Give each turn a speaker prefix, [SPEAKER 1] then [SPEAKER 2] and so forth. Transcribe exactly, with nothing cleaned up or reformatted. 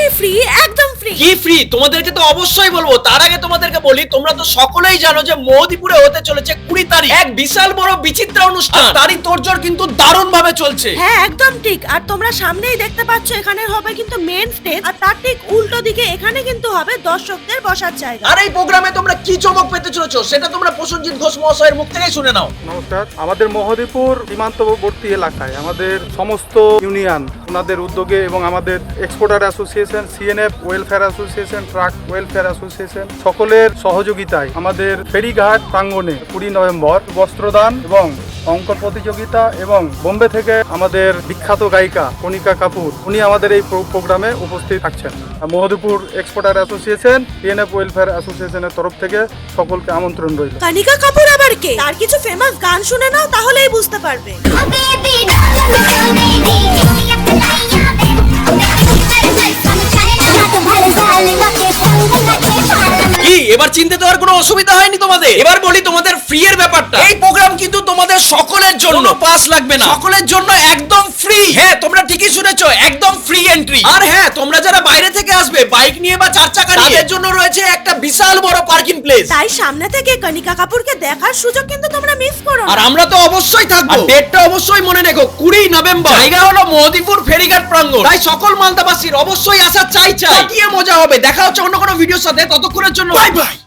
[SPEAKER 1] Free, একদম free.
[SPEAKER 2] কি free? তোমাদেরকে তো অবশ্যই বলবো। তার আগে তোমাদেরকে বলি, তোমরা তো সকলেই জানো যে মোদিপুরে হতে চলেছে কুড়ি তারিখ এক বিশাল বড় বিচিত্র অনুষ্ঠান। তারই তোড়জোড় কিন্তু দারুণ ভাবে চলছে।
[SPEAKER 1] হ্যাঁ একদম ঠিক। আর তোমরা সামনেই দেখতে পাচ্ছ এখানে হবে কিন্তু মেন স্টেজ, আর তার ঠিক উল্টো দিকে এখানে কিন্তু হবে দর্শকদের বসার জায়গা।
[SPEAKER 2] আর এই প্রোগ্রামে তোমরা কি চমক পেতে চলেছো সেটা তোমরা প্রসেনজিৎ ঘোষ মহাশয়ের মুখ থেকেই শুনে নাও।
[SPEAKER 3] নমস্কার। আমাদের মহদীপুর সীমান্তবর্তী এলাকায় আমাদের সমস্ত ইউনিয়ন ওনাদের উদ্যোগে এবং আমাদের exporter association, CNF welfare association, truck welfare association সকলের সহযোগিতায় আমাদের ফেরিঘাট প্রাঙ্গণে কুড়ি নভেম্বর বস্ত্রদান এবং অঙ্ক প্রতিযোগিতা এবং বোম্বে থেকে আমাদের বিখ্যাত গায়িকা কণিকা কাপুর উনি আমাদের এই প্রোগ্রামে উপস্থিত থাকছেন। Mahadipur exporter association, CNF welfare অ্যাসোসিয়েশনের তরফ থেকে সকলকে আমন্ত্রণ রইল।
[SPEAKER 1] কণিকা কাপুর আবার কে? তার কিছু ফেমাস গান শুনে নাও, তাহলেই বুঝতে পারবে।
[SPEAKER 2] কি এবার চিনতে দেওয়ার কোনো অসুবিধা হয়নি তোমাদের? এবার বলি তোমাদের ফ্রি এর ব্যাপারটা। এই প্রোগ্রাম কিন্তু তোমাদের সকলের জন্য, পাস লাগবে না, সকলের জন্য একদম ফ্রি। হ্যাঁ তোমরা ঠিকই শুনেছো, একদম ফ্রি এন্ট্রি। আর হ্যাঁ তোমরা যারা বাইরে থেকে আসবে বাইক নিয়ে বা চার চাকা নিয়ে, তাদের জন্য রয়েছে একটা বিশাল বড় পার্কিং প্লেস।
[SPEAKER 1] তাই সামনে থেকে কণিকা কাপুরকে দেখার সুযোগ কিন্তু তোমরা মিস করো না।
[SPEAKER 2] আর আমরা তো অবশ্যই থাকবো। ডেটটা অবশ্যই মনে রেখো, কুড়ি নভেম্বর। জায়গা হলো মোদিপুর ফেরিঘাট প্রাঙ্গণ। তাই সকল মালদাবাসীর অবশ্যই আসা চাই চাই। গিয়ে মজা হবে। দেখা হচ্ছে অন্য কোনো ভিডিওর সাথে। ততক্ষণের জন্য বাই বাই।